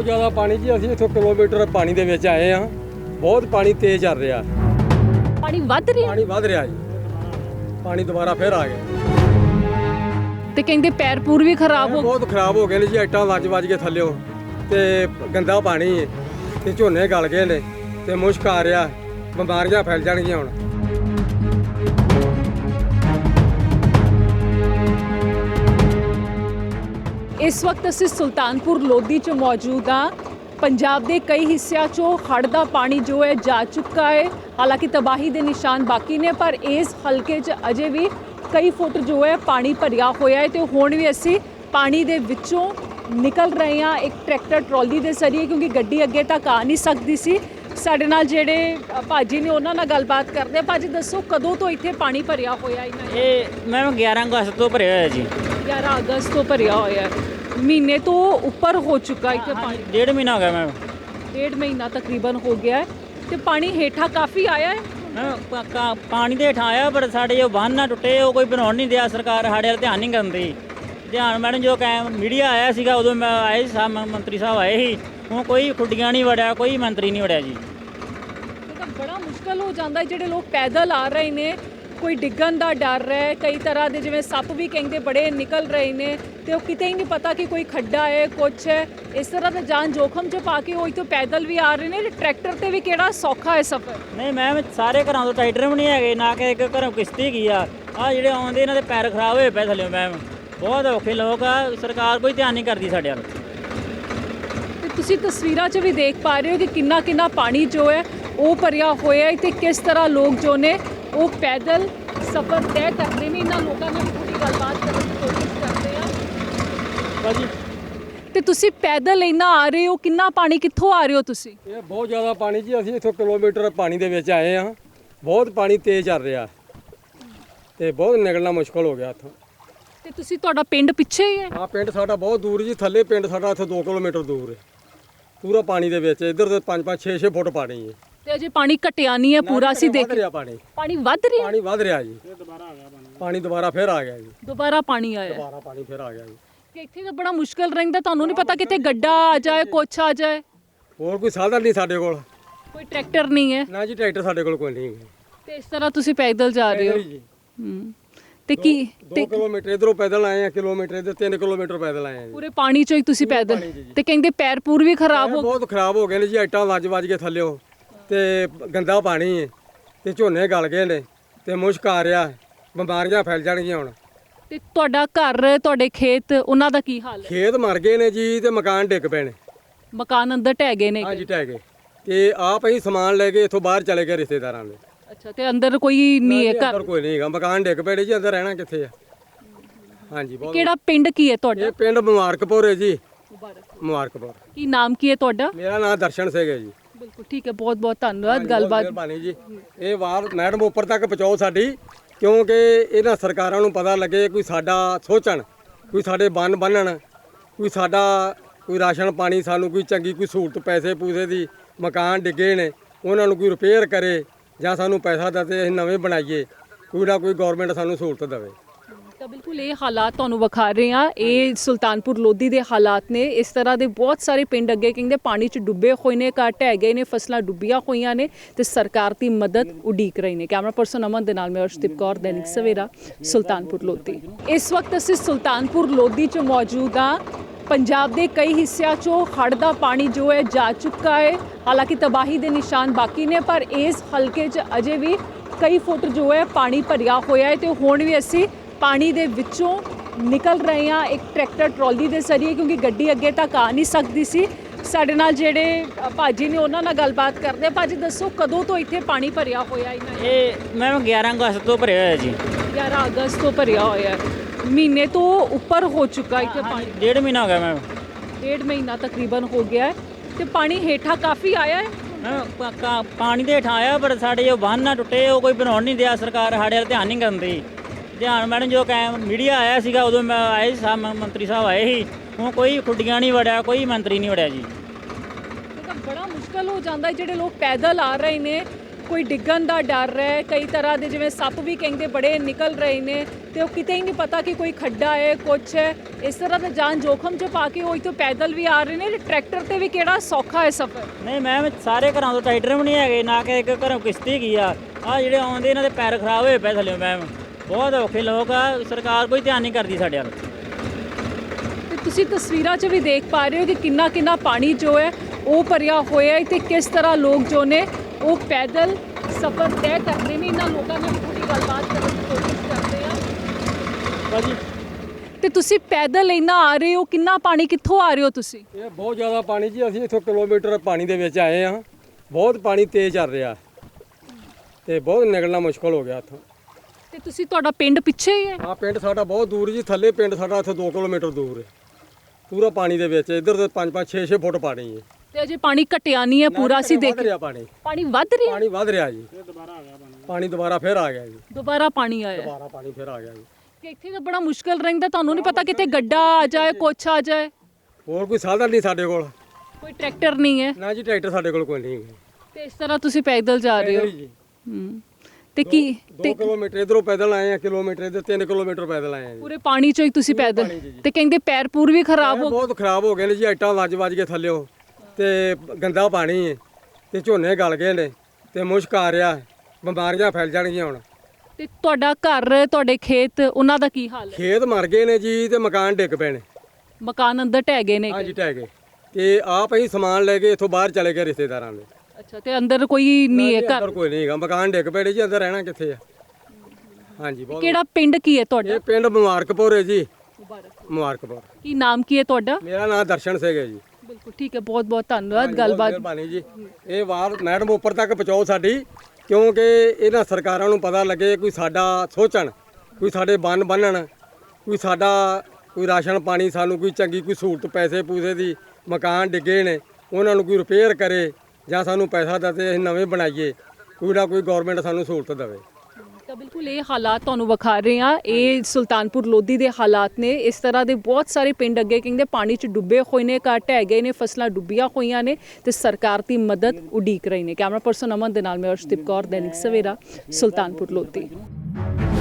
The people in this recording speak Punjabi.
ਜ਼ਿਆਦਾ ਪਾਣੀ ਜੀ, ਅਸੀਂ ਇੱਥੋਂ ਕਿਲੋਮੀਟਰ ਪਾਣੀ ਦੇ ਵਿੱਚ ਆਏ ਆ। ਬਹੁਤ ਪਾਣੀ ਤੇਜ਼ ਚੱਲ ਰਿਹਾ। ਪਾਣੀ ਵੱਧ ਰਿਹਾ ਪਾਣੀ ਵੱਧ ਰਿਹਾ ਜੀ, ਪਾਣੀ ਦੁਬਾਰਾ ਫਿਰ ਆ ਗਿਆ ਤੇ ਕਹਿੰਦੇ ਪੈਰ ਪੂਰ ਵੀ ਖਰਾਬ ਹੋ ਬਹੁਤ ਖਰਾਬ ਹੋ ਗਏ ਨੇ ਜੀ। ਇੱਟਾਂ ਵੱਜ ਕੇ ਥੱਲਿਓ ਤੇ ਗੰਦਾ ਪਾਣੀ ਹੈ ਤੇ ਝੋਨੇ ਗਲ ਗਏ ਨੇ ਤੇ ਮੁਸ਼ਕ ਆ ਰਿਹਾ, ਬਿਮਾਰੀਆਂ ਫੈਲ ਜਾਣਗੀਆਂ ਹੁਣ। ਇਸ ਵਕਤ ਅਸੀਂ ਸੁਲਤਾਨਪੁਰ ਲੋਧੀ 'ਚ ਮੌਜੂਦ ਹਾਂ। ਪੰਜਾਬ ਦੇ ਕਈ ਹਿੱਸਿਆਂ 'ਚੋਂ ਹੜ੍ਹ ਦਾ ਪਾਣੀ ਜੋ ਹੈ ਜਾ ਚੁੱਕਾ ਹੈ। ਹਾਲਾਂਕਿ ਤਬਾਹੀ ਦੇ ਨਿਸ਼ਾਨ ਬਾਕੀ ਨੇ, ਪਰ ਇਸ ਹਲਕੇ 'ਚ ਅਜੇ ਵੀ ਕਈ ਫੁੱਟ ਜੋ ਹੈ ਪਾਣੀ ਭਰਿਆ ਹੋਇਆ ਹੈ ਤੇ ਹੁਣ ਵੀ ਅਸੀਂ ਪਾਣੀ ਦੇ ਵਿੱਚੋਂ ਨਿਕਲ ਰਹੇ ਹਾਂ ਇੱਕ ਟਰੈਕਟਰ ਟਰਾਲੀ ਦੇ ਜ਼ਰੀਏ, ਕਿਉਂਕਿ ਗੱਡੀ ਅੱਗੇ ਤੱਕ ਆ ਨਹੀਂ ਸਕਦੀ ਸੀ। ਸਾਡੇ ਨਾਲ ਜਿਹੜੇ ਭਾਜੀ ਨੇ ਉਹਨਾਂ ਨਾਲ ਗੱਲਬਾਤ ਕਰਦੇ ਆ। ਭਾਜੀ ਦੱਸੋ, ਕਦੋਂ ਤੋਂ ਇੱਥੇ ਪਾਣੀ ਭਰਿਆ ਹੋਇਆ ਇਹਨਾਂ ਇਹ ਮੈਮ 11 ਅਗਸਤ ਤੋਂ ਭਰਿਆ ਹੋਇਆ ਜੀ। 11 ਅਗਸਤ ਤੋਂ ਭਰਿਆ ਹੋਇਆ ਹੈ, ਮਹੀਨੇ ਤੋਂ ਉੱਪਰ ਹੋ ਚੁੱਕਾ ਇੱਥੇ ਪਾਣੀ। ਡੇਢ ਮਹੀਨਾ ਹੋ ਗਿਆ ਮੈਮ। ਡੇਢ ਮਹੀਨਾ ਤਕਰੀਬਨ ਹੋ ਗਿਆ ਹੈ ਤੇ ਪਾਣੀ ਹੇਠਾਂ ਕਾਫੀ ਆਇਆ ਹੈ। ਪਾਣੀ ਦੇ ਹੇਠਾਂ ਆਇਆ, ਪਰ ਸਾਡੇ ਜੋ ਬੰਨ੍ਹ ਨਾ ਟੁੱਟੇ ਉਹ ਕੋਈ ਬਣਾਉਣ ਨਹੀਂ ਦਿਆ। ਸਰਕਾਰ ਸਾਡੇ ਵੱਲ ਧਿਆਨ ਨਹੀਂ ਕਰਦੀ। ਧਿਆਨ ਮੈਡਮ ਜੋ ਮੀਡੀਆ ਆਇਆ ਸੀਗਾ ਉਦੋਂ ਮੈਂ ਆਏ ਸੀ, ਮੰਤਰੀ ਸਾਹਿਬ ਆਏ ਸੀ, ਹੁਣ ਕੋਈ ਖੁੱਡੀਆਂ ਨਹੀਂ ਵੜਿਆ, ਕੋਈ ਮੰਤਰੀ ਨਹੀਂ ਵੜਿਆ ਜੀ। ਤਾਂ ਬੜਾ ਮੁਸ਼ਕਲ ਹੋ ਜਾਂਦਾ ਹੈ। ਜਿਹੜੇ ਲੋਕ ਪੈਦਲ ਆ ਰਹੇ ਨੇ, ਕੋਈ ਡਿੱਗਣ ਦਾ ਡਰ ਹੈ, ਕਈ ਤਰ੍ਹਾਂ ਦੇ ਜਿਵੇਂ ਸੱਪ ਵੀ ਕਹਿੰਦੇ ਬੜੇ ਨਿਕਲ ਰਹੇ ਨੇ ਤੇ ਉਹ ਕਿਤੇ ਹੀ ਨਹੀਂ ਪਤਾ ਕਿ ਕੋਈ ਖੱਡਾ ਹੈ, ਕੁਛ ਹੈ। ਇਸ ਤਰ੍ਹਾਂ ਦਾ ਜਾਨ ਜੋਖਮ 'ਚ ਪਾ ਕੇ ਉਹ ਇੱਥੋਂ ਪੈਦਲ ਵੀ ਆ ਰਹੇ ਨੇ। ਟਰੈਕਟਰ ਤੇ ਵੀ ਕਿਹੜਾ ਸੌਖਾ ਹੈ ਸਫ਼ਰ। ਨਹੀਂ ਮੈਮ, ਸਾਰੇ ਘਰਾਂ ਤੋਂ ਟਰੈਕਟਰ ਵੀ ਨਹੀਂ ਹੈਗੇ, ਨਾ ਕਿ ਇੱਕ ਘਰੋਂ ਕਿਸ਼ਤੀ ਗਈ ਆ ਜਿਹੜੇ ਆਉਂਦੇ ਇਹਨਾਂ ਦੇ ਪੈਰ ਖਰਾਬ ਹੋਏ ਪਏ ਥੱਲੇ ਮੈਮ। ਬਹੁਤ ਔਖੇ ਲੋਕ ਆ, ਸਰਕਾਰ ਕੋਈ ਧਿਆਨ ਨਹੀਂ ਕਰਦੀ ਸਾਡੇ ਵੱਲ। ਤੇ ਤੁਸੀਂ ਤਸਵੀਰਾਂ 'ਚ ਵੀ ਦੇਖ ਪਾ ਰਹੇ ਹੋ ਕਿ ਕਿੰਨਾ ਕਿੰਨਾ ਪਾਣੀ ਜੋ ਹੈ ਉਹ ਭਰਿਆ ਹੋਇਆ ਹੈ ਤੇ ਕਿਸ ਤਰ੍ਹਾਂ ਲੋਕ ਜੋ ਨੇ ਉਹ ਪੈਦਲ ਸਫ਼ਰ ਤੈਅ ਕਰਦੇ ਨੇ। ਇਹਨਾਂ ਲੋਕਾਂ ਨਾਲ ਥੋੜੀ ਗੱਲਬਾਤ ਕਰਨ ਦੀ ਕੋਸ਼ਿਸ਼ ਕਰਦੇ ਆ। ਭਾਜੀ ਤੇ ਤੁਸੀਂ ਪੈਦਲ ਇੰਨਾ ਆ ਰਹੇ ਹੋ, ਕਿੰਨਾ ਪਾਣੀ ਕਿੱਥੋਂ ਆ ਰਹੇ ਹੋ ਤੁਸੀਂ? ਇਹ ਬਹੁਤ ਜ਼ਿਆਦਾ ਪਾਣੀ ਜੀ, ਅਸੀਂ ਇੱਥੋਂ ਕਿਲੋਮੀਟਰ ਪਾਣੀ ਦੇ ਵਿੱਚ ਆਏ ਆ। ਬਹੁਤ ਪਾਣੀ ਤੇਜ਼ ਚੱਲ ਰਿਹਾ ਤੇ ਬਹੁਤ ਨਿਕਲਣਾ ਮੁਸ਼ਕਲ ਹੋ ਗਿਆ ਇੱਥੋਂ। ਤੇ ਤੁਸੀਂ, ਤੁਹਾਡਾ ਪਿੰਡ ਪਿੱਛੇ ਹੀ ਹੈ? ਆ ਪਿੰਡ ਸਾਡਾ ਬਹੁਤ ਦੂਰ ਜੀ, ਥੱਲੇ ਪਿੰਡ ਸਾਡਾ ਇੱਥੋਂ 2 ਕਿਲੋਮੀਟਰ ਦੂਰ ਹੈ। ਪੂਰਾ ਪਾਣੀ ਦੇ ਵਿੱਚ, ਇੱਧਰ ਤੇ 5-5 6-6 ਫੁੱਟ ਪਾਣੀ ਹੈ ਤੇ ਅਜੇ ਪਾਣੀ ਘਟਿਆ ਨਹੀਂ ਹੈ ਪੂਰਾ। ਅਸੀਂ ਦੇਖ ਰਿਹਾ ਪਾਣੀ ਪਾਣੀ ਵੱਧ ਰਿਹਾ। ਪਾਣੀ ਵੱਧ ਰਿਹਾ ਜੀ, ਪਾਣੀ ਦੁਬਾਰਾ ਫਿਰ ਆ ਗਿਆ ਜੀ। ਦੁਬਾਰਾ ਪਾਣੀ ਆਇਆ ਦੁਬਾਰਾ ਪਾਣੀ ਫਿਰ ਆ ਗਿਆ ਜੀ। ਕਿ ਇੱਥੇ ਤਾਂ ਬੜਾ ਮੁਸ਼ਕਲ ਰਹਿੰਦਾ, ਤੁਹਾਨੂੰ ਨਹੀਂ ਪਤਾ ਕਿਤੇ ਗੱਡਾ ਆ ਜਾਏ, ਕੁਛ ਆ ਜਾਏ। ਹੋਰ ਕੋਈ ਸਾਧਨ ਨਹੀਂ ਸਾਡੇ ਕੋਲ, ਕੋਈ ਟਰੈਕਟਰ ਨਹੀਂ ਹੈ ਨਾ ਜੀ ਟਰੈਕਟਰ ਸਾਡੇ ਕੋਲ ਕੋਈ ਨਹੀਂ ਹੈ। ਤੇ ਇਸ ਤਰ੍ਹਾਂ ਤੁਸੀਂ ਪੈਦਲ ਜਾ ਰਹੇ ਹੋ। ਜੀ ਤੇ ਕੀ 2 ਕਿਲੋਮੀਟਰ ਇਧਰੋਂ ਪੈਦਲ ਆਏ ਆ, ਕਿਲੋਮੀਟਰ ਇਧਰ 3 ਕਿਲੋਮੀਟਰ ਪੈਦਲ ਆਏ ਆ ਜੀ। ਪੂਰੇ ਪਾਣੀ ਚੋਂ ਹੀ ਤੁਸੀਂ ਪੈਦਲ। ਤੇ ਕਹਿੰਦੇ ਪੈਰ ਪੂਰ ਵੀ ਖਰਾਬ ਹੋ ਬਹੁਤ ਖਰਾਬ ਹੋ ਗਏ ਨੇ ਜੀ। ਇੱਟਾਂ ਵੱਜ ਕੇ ਥੱਲਿਓ ਤੇ ਗੰਦਾ ਪਾਣੀ ਹੈ ਤੇ ਝੋਨੇ ਗਲ ਗਏ ਨੇ ਤੇ ਮੁਸ਼ਕ ਆ ਰਿਹਾ, ਬਿਮਾਰੀਆਂ ਫੈਲ ਜਾਣਗੀਆਂ ਹੁਣ। ਤੇ ਤੁਹਾਡਾ ਘਰ, ਤੁਹਾਡੇ ਖੇਤ, ਉਹਨਾਂ ਦਾ ਕੀ ਹਾਲ ਹੈ? ਖੇਤ ਮਰ ਗਏ ਨੇ ਜੀ ਤੇ ਮਕਾਨ ਡਿੱਗ ਪਏ ਨੇ। ਮਕਾਨ ਅੰਦਰ ਢਹਿ ਗਏ ਨੇ? ਹਾਂਜੀ ਢਹਿ ਗਏ ਤੇ ਆਪ ਅਸੀਂ ਸਮਾਨ ਲੈ ਕੇ ਇੱਥੋਂ ਬਾਹਰ ਚਲੇ ਗਏ ਰਿਸ਼ਤੇਦਾਰਾਂ ਦੇ। ਅੱਛਾ, ਤੇ ਅੰਦਰ ਕੋਈ ਨਹੀਂ ਹੈ ਘਰ? ਅੰਦਰ ਕੋਈ ਨਹੀਂ ਹੈਗਾ, ਮਕਾਨ ਡਿੱਗ ਪਏ ਨੇ ਜੀ, ਅੰਦਰ ਰਹਿਣਾ ਕਿੱਥੇ ਆ। ਹਾਂਜੀ ਬਹੁਤ। ਕਿਹੜਾ ਪਿੰਡ ਕੀ ਹੈ ਤੁਹਾਡਾ? ਇਹ ਪਿੰਡ ਮੁਬਾਰਕਪੁਰ ਹੈ ਜੀ। ਮੁਬਾਰਕਪੁਰ। ਕੀ ਨਾਮ ਕੀ ਹੈ ਤੁਹਾਡਾ? ਮੇਰਾ ਨਾਮ ਦਰਸ਼ਨ ਸਿੰਘ ਹੈ ਜੀ। ਬਿਲਕੁਲ ਠੀਕ ਹੈ, ਬਹੁਤ ਬਹੁਤ ਧੰਨਵਾਦ। ਗੱਲਬਾਤ ਮਿਹਰਬਾਨੀ ਜੀ। ਇਹ ਵਾਰ ਮੈਡਮ ਉੱਪਰ ਤੱਕ ਪਹੁੰਚਾਓ ਸਾਡੀ, ਕਿਉਂਕਿ ਇਹਨਾਂ ਸਰਕਾਰਾਂ ਨੂੰ ਪਤਾ ਲੱਗੇ, ਕੋਈ ਸਾਡਾ ਸੋਚਣ, ਕੋਈ ਸਾਡੇ ਬੰਨ ਬੰਨਣ, ਕੋਈ ਸਾਡਾ ਕੋਈ ਰਾਸ਼ਨ ਪਾਣੀ, ਸਾਨੂੰ ਕੋਈ ਚੰਗੀ ਕੋਈ ਸਹੂਲਤ, ਪੈਸੇ ਪੂਸੇ ਦੀ, ਮਕਾਨ ਡਿੱਗੇ ਨੇ ਉਹਨਾਂ ਨੂੰ ਕੋਈ ਰਿਪੇਅਰ ਕਰੇ ਜਾਂ ਸਾਨੂੰ ਪੈਸਾ ਦੇਵੇ, ਅਸੀਂ ਨਵੇਂ ਬਣਾਈਏ, ਕੋਈ ਨਾ ਕੋਈ ਗਵਰਨਮੈਂਟ ਸਾਨੂੰ ਸਹੂਲਤ ਦੇਵੇ। ਤਾਂ ਬਿਲਕੁਲ ਇਹ ਹਾਲਾਤ ਤੁਹਾਨੂੰ ਵਿਖਾ ਰਹੇ ਹਾਂ। ਇਹ ਸੁਲਤਾਨਪੁਰ ਲੋਧੀ ਦੇ ਹਾਲਾਤ ਨੇ। ਇਸ ਤਰ੍ਹਾਂ ਦੇ ਬਹੁਤ ਸਾਰੇ ਪਿੰਡ ਅੱਗੇ ਕਹਿੰਦੇ ਪਾਣੀ 'ਚ ਡੁੱਬੇ ਹੋਏ ਨੇ, ਘਰ ਢਹਿ ਗਏ ਨੇ, ਫਸਲਾਂ ਡੁੱਬੀਆਂ ਹੋਈਆਂ ਨੇ ਤੇ ਸਰਕਾਰ ਦੀ ਮਦਦ ਉਡੀਕ ਰਹੀ ਨੇ। ਕੈਮਰਾ ਪਰਸਨ ਅਮਨ ਦੇ ਨਾਲ ਮੈਂ ਅਰਸ਼ਦੀਪ ਕੌਰ, ਦੈਨਿਕ ਸਵੇਰਾ, ਸੁਲਤਾਨਪੁਰ ਲੋਧੀ। ਇਸ ਵਕਤ ਅਸੀਂ ਸੁਲਤਾਨਪੁਰ ਲੋਧੀ 'ਚ ਮੌਜੂਦ ਹਾਂ। ਪੰਜਾਬ ਦੇ ਕਈ ਹਿੱਸਿਆਂ 'ਚੋਂ ਹੜ੍ਹ ਦਾ ਪਾਣੀ ਜੋ ਹੈ ਜਾ ਚੁੱਕਾ ਹੈ। ਹਾਲਾਂਕਿ ਤਬਾਹੀ ਦੇ ਨਿਸ਼ਾਨ ਬਾਕੀ ਨੇ, ਪਰ ਇਸ ਹਲਕੇ 'ਚ ਅਜੇ ਵੀ ਕਈ ਫੁੱਟ ਜੋ ਹੈ ਪਾਣੀ ਭਰਿਆ ਹੋਇਆ ਹੈ ਤੇ ਹੁਣ ਵੀ ਅਸੀਂ ਪਾਣੀ ਦੇ ਵਿੱਚੋਂ ਨਿਕਲ ਰਹੇ ਹਾਂ ਇੱਕ ਟਰੈਕਟਰ ਟਰਾਲੀ ਦੇ ਜ਼ਰੀਏ, ਕਿਉਂਕਿ ਗੱਡੀ ਅੱਗੇ ਤੱਕ ਆ ਨਹੀਂ ਸਕਦੀ ਸੀ। ਸਾਡੇ ਨਾਲ ਜਿਹੜੇ ਭਾਜੀ ਨੇ ਉਹਨਾਂ ਨਾਲ ਗੱਲਬਾਤ ਕਰਦੇ ਆ। ਭਾਜੀ ਦੱਸੋ, ਕਦੋਂ ਤੋਂ ਇੱਥੇ ਪਾਣੀ ਭਰਿਆ ਹੋਇਆ ਇਹਨਾਂ ਨੇ? ਇਹ ਮੈਮ 11 ਅਗਸਤ ਤੋਂ ਭਰਿਆ ਹੋਇਆ ਜੀ। 11 ਅਗਸਤ ਤੋਂ ਭਰਿਆ ਹੋਇਆ ਹੈ, ਮਹੀਨੇ ਤੋਂ ਉੱਪਰ ਹੋ ਚੁੱਕਾ ਇੱਥੇ ਪਾਣੀ। ਡੇਢ ਮਹੀਨਾ ਹੋ ਗਿਆ ਮੈਮ। ਡੇਢ ਮਹੀਨਾ ਤਕਰੀਬਨ ਹੋ ਗਿਆ ਹੈ ਤੇ ਪਾਣੀ ਹੇਠਾਂ ਕਾਫੀ ਆਇਆ ਹੈ। ਪਾਣੀ ਦੇ ਹੇਠਾਂ ਆਇਆ, ਪਰ ਸਾਡੇ ਜੋ ਬੰਨ੍ਹ ਨਾ ਟੁੱਟੇ ਉਹ ਕੋਈ ਬਣਾਉਣ ਨਹੀਂ ਦਿਆ। ਸਰਕਾਰ ਸਾਡੇ ਵੱਲ ਧਿਆਨ ਨਹੀਂ ਕਰਦੀ। ਧਿਆਨ ਮੈਡਮ ਜੋ ਮੀਡੀਆ ਆਇਆ ਸੀਗਾ ਉਦੋਂ ਮੈਂ ਆਏ ਸੀ, ਮੰਤਰੀ ਸਾਹਿਬ ਆਏ ਸੀ, ਹੁਣ ਕੋਈ ਖੁੱਡੀਆਂ ਨਹੀਂ ਵੜਿਆ, ਕੋਈ ਮੰਤਰੀ ਨਹੀਂ ਵੜਿਆ ਜੀ। ਤਾਂ ਬੜਾ ਮੁਸ਼ਕਲ ਹੋ ਜਾਂਦਾ ਹੈ। ਜਿਹੜੇ ਲੋਕ ਪੈਦਲ ਆ ਰਹੇ ਨੇ, ਕੋਈ ਡਿੱਗਣ ਦਾ ਡਰ ਹੈ, ਕਈ ਤਰ੍ਹਾਂ ਦੇ ਜਿਵੇਂ ਸੱਪ ਵੀ ਕਹਿੰਦੇ ਬੜੇ ਨਿਕਲ ਰਹੇ ਨੇ ਤੇ ਉਹ ਕਿਤੇ ਹੀ ਨਹੀਂ ਪਤਾ ਕਿ ਕੋਈ ਖੱਡਾ ਹੈ ਕੁਛ ਹੈ, ਇਸ ਤਰ੍ਹਾਂ ਦਾ ਜਾਨ ਜੋਖਮ 'ਚ ਪਾ ਕੇ ਉਹ ਇੱਥੋਂ ਪੈਦਲ ਵੀ ਆ ਰਹੇ ਨੇ ਤੇ ਟਰੈਕਟਰ ਤੇ ਵੀ ਕਿਹੜਾ ਸੌਖਾ ਹੈ ਸਫ਼ਰ। ਨਹੀਂ ਮੈਮ, ਸਾਰੇ ਘਰਾਂ ਤੋਂ ਟਰੈਕਟਰ ਵੀ ਨਹੀਂ ਹੈਗੇ, ਨਾ ਕਿ ਇੱਕ ਘਰੋਂ ਕਿਸ਼ਤੀ ਹੈਗੀ ਆ ਜਿਹੜੇ ਆਉਂਦੇ ਇਹਨਾਂ ਦੇ ਪੈਰ ਖਰਾਬ ਹੋਏ ਪਏ ਥੱਲੇ ਮੈਮ, ਬਹੁਤ ਔਖੇ ਲੋਕ ਆ, ਸਰਕਾਰ ਕੋਈ ਧਿਆਨ ਨਹੀਂ ਕਰਦੀ ਸਾਡੇ ਵੱਲ। ਤੇ ਤੁਸੀਂ ਤਸਵੀਰਾਂ 'ਚ ਵੀ ਦੇਖ ਪਾ ਰਹੇ ਹੋ ਕਿ ਕਿੰਨਾ ਕਿੰਨਾ ਪਾਣੀ ਜੋ ਹੈ ਉਹ ਭਰਿਆ ਹੋਇਆ ਹੈ ਤੇ ਕਿਸ ਤਰ੍ਹਾਂ ਲੋਕ ਜੋ ਨੇ ਉਹ ਪੈਦਲ ਸਫ਼ਰ ਤੈਅ ਕਰਦੇ ਨੇ। ਇਹਨਾਂ ਲੋਕਾਂ ਨਾਲ ਵੀ ਥੋੜੀ ਗੱਲਬਾਤ ਕਰਨ ਦੀ ਕੋਸ਼ਿਸ਼ ਕਰਦੇ ਆ। ਭਾਜੀ ਤੇ ਤੁਸੀਂ ਪੈਦਲ ਇੰਨਾ ਆ ਰਹੇ ਹੋ, ਕਿੰਨਾ ਪਾਣੀ ਕਿੱਥੋਂ ਆ ਰਹੇ ਹੋ ਤੁਸੀਂ? ਇਹ ਬਹੁਤ ਜ਼ਿਆਦਾ ਪਾਣੀ ਜੀ, ਅਸੀਂ ਇੱਥੋਂ ਕਿਲੋਮੀਟਰ ਪਾਣੀ ਦੇ ਵਿੱਚ ਆਏ ਹਾਂ। ਬਹੁਤ ਪਾਣੀ ਤੇਜ਼ ਚੱਲ ਰਿਹਾ ਤੇ ਬਹੁਤ ਨਿਕਲਣਾ ਮੁਸ਼ਕਲ ਹੋ ਗਿਆ ਇੱਥੋਂ। ਤੇ ਤੁਸੀਂ ਤੁਹਾਡਾ ਪਿੰਡ ਪਿੱਛੇ ਹੀ ਹੈ? ਹਾਂ, ਪਿੰਡ ਸਾਡਾ ਬਹੁਤ ਦੂਰ ਜੀ, ਥੱਲੇ ਪਿੰਡ ਸਾਡਾ ਇੱਥੋਂ 2 ਕਿਲੋਮੀਟਰ ਦੂਰ ਹੈ, ਪੂਰਾ ਪਾਣੀ ਦੇ ਵਿੱਚ। ਇੱਧਰ ਤੇ 5-5 6-6 ਫੁੱਟ ਪਾਣੀ ਹੈ ਤੇ ਅਜੇ ਪਾਣੀ ਘਟਿਆ ਨਹੀਂ ਹੈ ਪੂਰਾ, ਅਸੀਂ ਦੇਖ ਵੱਧ ਰਿਹਾ ਪਾਣੀ ਪਾਣੀ ਵੱਧ ਰਿਹਾ, ਪਾਣੀ ਵੱਧ ਰਿਹਾ ਜੀ। ਪਾਣੀ ਦੁਬਾਰਾ ਫਿਰ ਆ ਗਿਆ ਜੀ, ਦੁਬਾਰਾ ਪਾਣੀ ਆਇਆ ਦੁਬਾਰਾ ਪਾਣੀ ਫਿਰ ਆ ਗਿਆ ਜੀ। ਤੇ ਇੱਥੇ ਤਾਂ ਬੜਾ ਮੁਸ਼ਕਲ ਰਹਿੰਦਾ, ਤੁਹਾਨੂੰ ਨਹੀਂ ਪਤਾ ਕਿਤੇ ਗੱਡਾ ਆ ਜਾਏ, ਕੁਛ ਆ ਜਾਏ। ਹੋਰ ਕੋਈ ਸਾਧਨ ਨਹੀਂ ਸਾਡੇ ਕੋਲ, ਕੋਈ ਟਰੈਕਟਰ ਨਹੀਂ ਹੈ ਨਾ ਜੀ ਟਰੈਕਟਰ ਸਾਡੇ ਕੋਲ ਕੋਈ ਨਹੀਂ ਹੈ। ਤੇ ਇਸ ਤਰ੍ਹਾਂ ਤੁਸੀਂ ਪੈਦਲ ਜਾ ਰਹੇ ਹੋ। ਜੀ ਤੇ ਕੀ 2 ਕਿਲੋਮੀਟਰ ਇਧਰੋਂ ਪੈਦਲ ਆਏ ਆ, ਕਿਲੋਮੀਟਰ ਇਧਰ 3 ਕਿਲੋਮੀਟਰ ਪੈਦਲ ਆਏ ਆ ਜੀ। ਪੂਰੇ ਪਾਣੀ ਚੋਂ ਹੀ ਤੁਸੀਂ ਪੈਦਲ, ਪਾਣੀ 'ਚ ਜੀ। ਤੇ ਕਹਿੰਦੇ ਪੈਰ ਪੂਰ ਵੀ ਖਰਾਬ ਹੋ ਬਹੁਤ ਖਰਾਬ ਹੋ ਗਏ ਨੇ ਜੀ, ਇੱਟਾਂ ਵੱਜ ਕੇ ਥੱਲਿਓ ਤੇ ਗੰਦਾ ਪਾਣੀ ਹੈ ਤੇ ਝੋਨੇ ਗਲ ਗਏ ਨੇ ਤੇ ਮੁਸ਼ਕ ਆ ਰਿਹਾ, ਬਿਮਾਰੀਆਂ ਫੈਲ ਜਾਣਗੀਆਂ ਹੁਣ। ਤੇ ਤੁਹਾਡਾ ਘਰ, ਤੁਹਾਡੇ ਖੇਤ, ਉਹਨਾਂ ਦਾ ਕੀ ਹਾਲ ਹੈ? ਖੇਤ ਮਰ ਗਏ ਨੇ ਜੀ ਤੇ ਮਕਾਨ ਡਿੱਗ ਪਏ ਨੇ। ਮਕਾਨ ਅੰਦਰ ਢਹਿ ਗਏ ਨੇ? ਹਾਂਜੀ ਢਹਿ ਗਏ ਤੇ ਆਪ ਅਸੀਂ ਸਮਾਨ ਲੈ ਕੇ ਇੱਥੋਂ ਬਾਹਰ ਚਲੇ ਗਏ ਰਿਸ਼ਤੇਦਾਰਾਂ ਦੇ। ਅੱਛਾ, ਤੇ ਅੰਦਰ ਕੋਈ ਨਹੀਂ ਹੈ ਅੰਦਰ ਘਰ? ਕੋਈ ਨਹੀਂ ਹੈਗਾ, ਮਕਾਨ ਡਿੱਗ ਪਏ ਨੇ ਜੀ, ਅੰਦਰ ਰਹਿਣਾ ਕਿੱਥੇ ਆ। ਹਾਂਜੀ ਬਹੁਤ। ਕਿਹੜਾ ਪਿੰਡ ਕੀ ਹੈ ਤੁਹਾਡਾ? ਇਹ ਪਿੰਡ ਮੁਬਾਰਕਪੁਰ ਹੈ ਜੀ, ਮੁਬਾਰਕਪੁਰ। ਕੀ ਨਾਮ ਕੀ ਹੈ ਤੁਹਾਡਾ? ਮੇਰਾ ਨਾਮ ਦਰਸ਼ਨ ਸਿੰਘ ਹੈ ਜੀ। ਬਿਲਕੁਲ ਠੀਕ ਹੈ, ਬਹੁਤ ਬਹੁਤ ਧੰਨਵਾਦ ਗੱਲਬਾਤ। ਮਿਹਰਬਾਨੀ ਜੀ। ਇਹ ਵਾਰ ਮੈਡਮ ਉੱਪਰ ਤੱਕ ਪਹੁੰਚਾਓ ਸਾਡੀ, ਕਿਉਂਕਿ ਇਹਨਾਂ ਸਰਕਾਰਾਂ ਨੂੰ ਪਤਾ ਲੱਗੇ, ਕੋਈ ਸਾਡਾ ਸੋਚਣ, ਕੋਈ ਸਾਡੇ ਬੰਨ ਬੰਨਣ, ਕੋਈ ਸਾਡਾ ਕੋਈ ਰਾਸ਼ਨ ਪਾਣੀ ਸਾਨੂੰ ਕੋਈ ਚੰਗੀ ਕੋਈ ਸਹੂਲਤ, ਪੈਸੇ ਪੂਸੇ ਦੀ, ਮਕਾਨ ਡਿੱਗੇ ਨੇ ਉਹਨਾਂ ਨੂੰ ਕੋਈ ਰਿਪੇਅਰ ਕਰੇ ਜਾਂ ਸਾਨੂੰ ਪੈਸਾ ਦੇਵੇ, ਅਸੀਂ ਨਵੇਂ ਬਣਾਈਏ, ਕੋਈ ਨਾ ਕੋਈ ਗਵਰਨਮੈਂਟ ਸਾਨੂੰ ਸਹੂਲਤ ਦੇਵੇ। ਤਾਂ ਬਿਲਕੁਲ ਇਹ ਹਾਲਾਤ ਤੁਹਾਨੂੰ ਵਿਖਾ ਰਹੇ ਹਾਂ, ਇਹ ਸੁਲਤਾਨਪੁਰ ਲੋਧੀ ਦੇ ਹਾਲਾਤ ਨੇ। ਇਸ ਤਰ੍ਹਾਂ ਦੇ ਬਹੁਤ ਸਾਰੇ ਪਿੰਡ ਅੱਗੇ ਕਹਿੰਦੇ ਪਾਣੀ 'ਚ ਡੁੱਬੇ ਹੋਏ ਨੇ, ਘਰ ਢਹਿ ਗਏ ਨੇ, ਫਸਲਾਂ ਡੁੱਬੀਆਂ ਹੋਈਆਂ ਨੇ ਤੇ ਸਰਕਾਰ ਦੀ ਮਦਦ ਉਡੀਕ ਰਹੀ ਨੇ। ਕੈਮਰਾ ਪਰਸਨ ਅਮਨ ਦੇ ਨਾਲ ਮੈਂ ਅਰਸ਼ਦੀਪ ਕੌਰ, ਦੈਨਿਕ ਸਵੇਰਾ, ਸੁਲਤਾਨਪੁਰ ਲੋਧੀ।